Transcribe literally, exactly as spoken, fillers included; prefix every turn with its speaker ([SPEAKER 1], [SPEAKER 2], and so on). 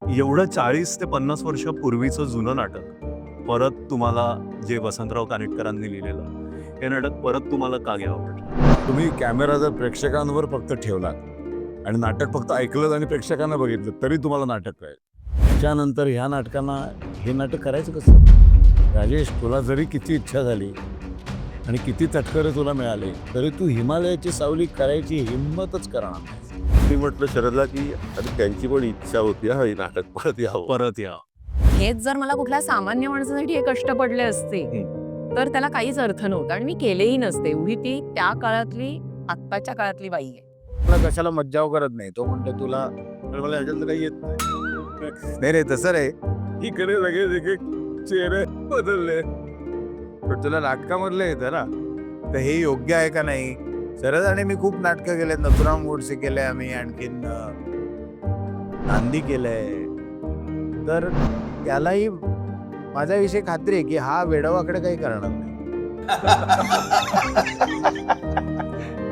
[SPEAKER 1] एवढं चाळीस ते पन्नास वर्षापूर्वीचं जुनं नाटक परत तुम्हाला जे वसंतराव कानेटकरांनी लिहिलेलं हे नाटक परत तुम्हाला का घ्यावं वाटलं?
[SPEAKER 2] तुम्ही कॅमेरा जर प्रेक्षकांवर फक्त ठेवला आणि नाटक फक्त ऐकलं आणि प्रेक्षकांना बघितलं तरी तुम्हाला नाटक कळेल. त्याच्यानंतर ह्या नाटकांना हे नाटक करायचं कसं? राजेश, तुला जरी किती इच्छा झाली आणि किती तटकरे तुला मिळाले तरी तू हिमालयाची सावली करायची हिंमतच करणार नाही.
[SPEAKER 3] मी म्हटलं शरदला की अरे त्यांची पण इच्छा होती हा हे नाटक परत यावं.
[SPEAKER 1] परत या.
[SPEAKER 4] हेच जर मला कुठल्या सामान्य माणसासाठी हे कष्ट पडले असते तर त्याला काहीच अर्थ नव्हता आणि मी केलेही नसते. एवढी ती त्या काळातली आत्ताच्या काळातली बाई आहे.
[SPEAKER 5] मला कशाला मज्जाव करत नाही. तो म्हणतो तुला तर मला ह्याच्यातलं काही येत नाही. नाही रे तसं रे इकडे लगेच एक एक चेहरे बदलले. पण तुला नाटकामधलं येतं ना तर हे योग्य आहे का नाही? शरद आणि मी खूप नाटकं केले. नथुराम गोडसे केले आम्ही, आणखीन नांदी केलंय. तर त्यालाही माझ्याविषयी खात्री आहे की हा वेडवाकडे काही करणार नाही.